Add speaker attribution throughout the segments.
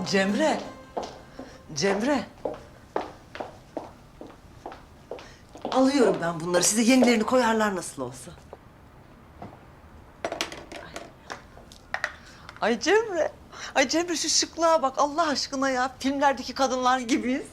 Speaker 1: Cemre. Cemre. Alıyorum ben bunları. Size yenilerini koyarlar nasıl olsa. Ay Cemre. Ay Cemre şu şıklığa bak Allah aşkına ya. Filmlerdeki kadınlar gibiyiz.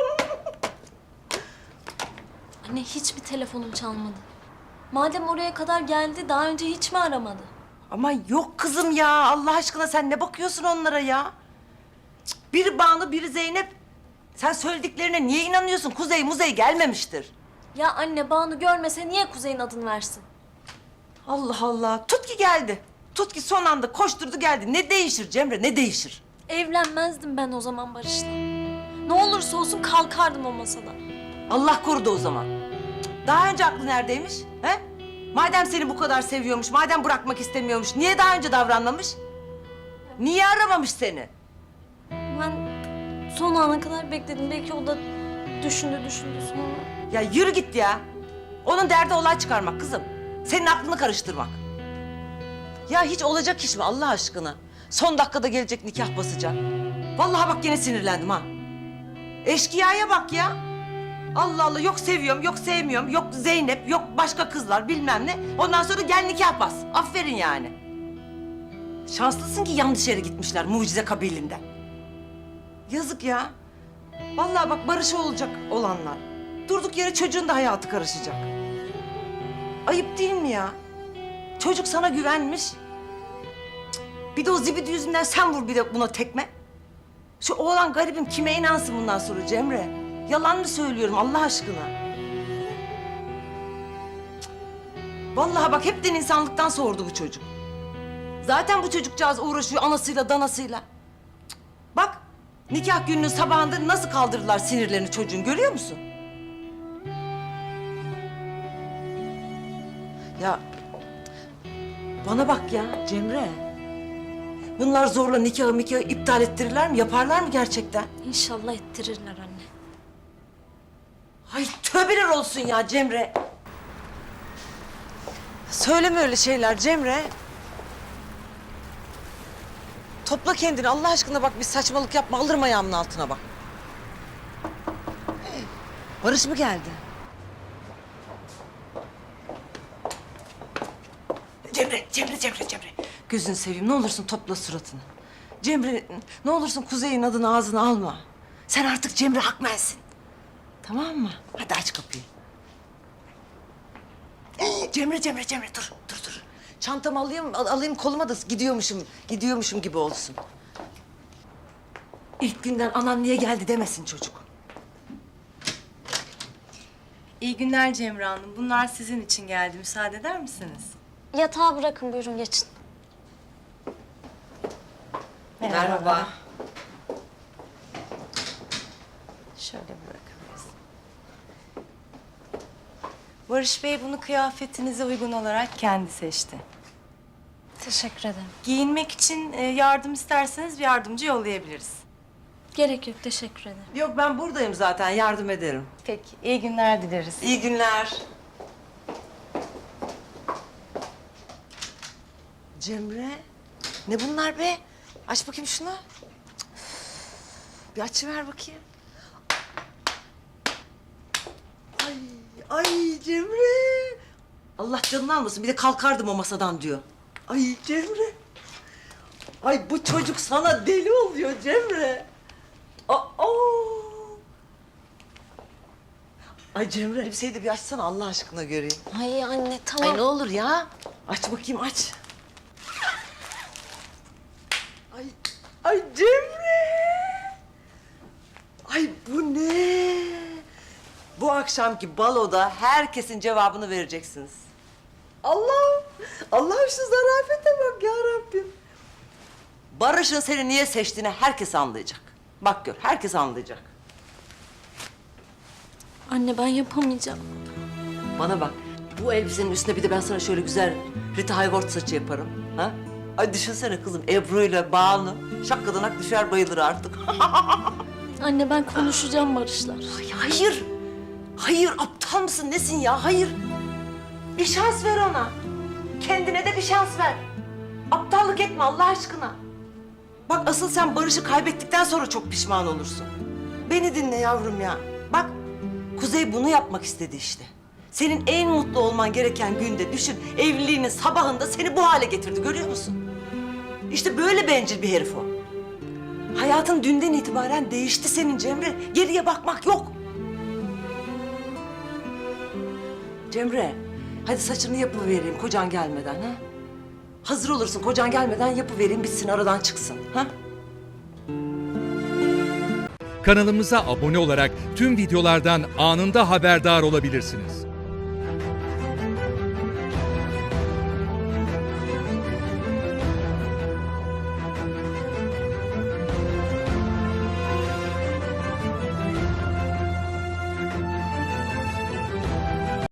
Speaker 2: Anne hiç mi telefonum çalmadı? Madem oraya kadar geldi daha önce hiç mi aramadı?
Speaker 1: Ama yok kızım ya. Allah aşkına sen ne bakıyorsun onlara ya? Cık, biri Banu, biri Zeynep. Sen söylediklerine niye inanıyorsun? Kuzey muzey gelmemiştir.
Speaker 2: Ya anne Banu görmese niye Kuzey'in adını versin?
Speaker 1: Allah Allah. Tut ki geldi. Tut ki son anda koşturdu geldi. Ne değişir Cemre, ne değişir?
Speaker 2: Evlenmezdim ben o zaman Barış'la. Ne olursa olsun kalkardım o masadan.
Speaker 1: Allah korudu o zaman. Cık, daha önce aklı neredeymiş? He? Madem seni bu kadar seviyormuş, madem bırakmak istemiyormuş, niye daha önce davranmamış? Niye aramamış seni?
Speaker 2: Ben son ana kadar bekledim. Belki o da düşündü sonra.
Speaker 1: Ya yürü git ya. Onun derdi olay çıkarmak kızım. Senin aklını karıştırmak. Ya hiç olacak iş mi Allah aşkına? Son dakikada gelecek nikah basacak. Vallahi bak yine sinirlendim ha. Eşkıya'ya bak ya. Allah Allah yok seviyorum, yok sevmiyorum, yok Zeynep, yok başka kızlar bilmem ne. Ondan sonra gel nikah bas. Aferin yani. Şanslısın ki yanlış yere gitmişler mucize kabilinden. Yazık ya. Vallahi bak barışı olacak olanlar. Durduk yere çocuğun da hayatı karışacak. Ayıp değil mi ya? Çocuk sana güvenmiş. Cık, bir de o zibidi yüzünden sen vur bir de buna tekme. Şu oğlan garibim kime inansın bundan sonra Cemre? Yalan mı söylüyorum Allah aşkına? Cık, vallahi bak hepten insanlıktan soğurdu bu çocuk. Zaten bu çocukcağız uğraşıyor anasıyla danasıyla. Cık, bak nikah gününün sabahında nasıl kaldırdılar sinirlerini çocuğun görüyor musun? Ya bana bak ya Cemre. Bunlar zorla nikahı iptal ettirirler mi? Yaparlar mı gerçekten?
Speaker 2: İnşallah ettirirler anne.
Speaker 1: Ay tövbeler olsun ya Cemre. Söyleme öyle şeyler Cemre. Topla kendini Allah aşkına bak bir saçmalık yapma. Alırım ayağımın altına bak. Barış mı geldi? Cemre. Gözünü seveyim ne olursun topla suratını. Cemre ne olursun Kuzey'in adını ağzına alma. Sen artık Cemre Akmen'sin. Tamam mı? Hadi aç kapıyı. Cemre dur. Çantamı alayım koluma da gidiyormuşum gibi olsun. İlk günden anam niye geldi demesin çocuk.
Speaker 3: İyi günler Cemre Hanım. Bunlar sizin için geldi. Müsaade eder misiniz?
Speaker 2: Yatağa bırakın buyurun geçin.
Speaker 1: Merhaba.
Speaker 3: Şöyle bırakabiliriz. Barış Bey bunu kıyafetinize uygun olarak kendi seçti.
Speaker 2: Teşekkür ederim.
Speaker 3: Giyinmek için yardım isterseniz bir yardımcı yollayabiliriz.
Speaker 2: Gerek yok teşekkür ederim.
Speaker 1: Yok ben buradayım zaten yardım ederim.
Speaker 3: Peki, iyi günler dileriz.
Speaker 1: İyi günler. Cemre, ne bunlar be? Aç bakayım şunu. Bir açıver bakayım. Ay Cemre. Allah canını almasın. Bir de kalkardım o masadan diyor. Ay Cemre. Ay bu çocuk sana deli oluyor Cemre. Aa. Ay Cemre elbiseyi de bir açsana Allah aşkına göreyim.
Speaker 2: Ay anne tamam.
Speaker 1: Ay ne olur ya. Aç bakayım aç. Ay Cemre. Ay bu ne? Bu akşamki baloda herkesin cevabını vereceksiniz. Allah'ım şu zarafete bak ya Rabbim. Barış'ın seni niye seçtiğini herkes anlayacak. Bak gör herkes anlayacak.
Speaker 2: Anne ben yapamayacağım.
Speaker 1: Bana bak, bu elbisenin üstüne bir de ben sana şöyle güzel Rita Hayworth saçı yaparım. Ha? Ay düşünsene kızım, Ebru'yla Banu şakkadanak düşer bayılır artık.
Speaker 2: Anne ben konuşacağım Barış'la.
Speaker 1: Ay hayır aptal mısın nesin ya, hayır. Bir şans ver ona. Kendine de bir şans ver. Aptallık etme Allah aşkına. Bak asıl sen Barış'ı kaybettikten sonra çok pişman olursun. Beni dinle yavrum ya. Bak Kuzey bunu yapmak istedi işte. Senin en mutlu olman gereken günde düşün evliliğinin sabahında seni bu hale getirdi görüyor musun? İşte böyle bencil bir herif o. Hayatın dünden itibaren değişti senin Cemre. Geriye bakmak yok. Cemre, hadi saçını yapıvereyim kocan gelmeden ha. Hazır olursun kocan gelmeden yapıvereyim bitsin aradan çıksın ha.
Speaker 4: Kanalımıza abone olarak tüm videolardan anında haberdar olabilirsiniz.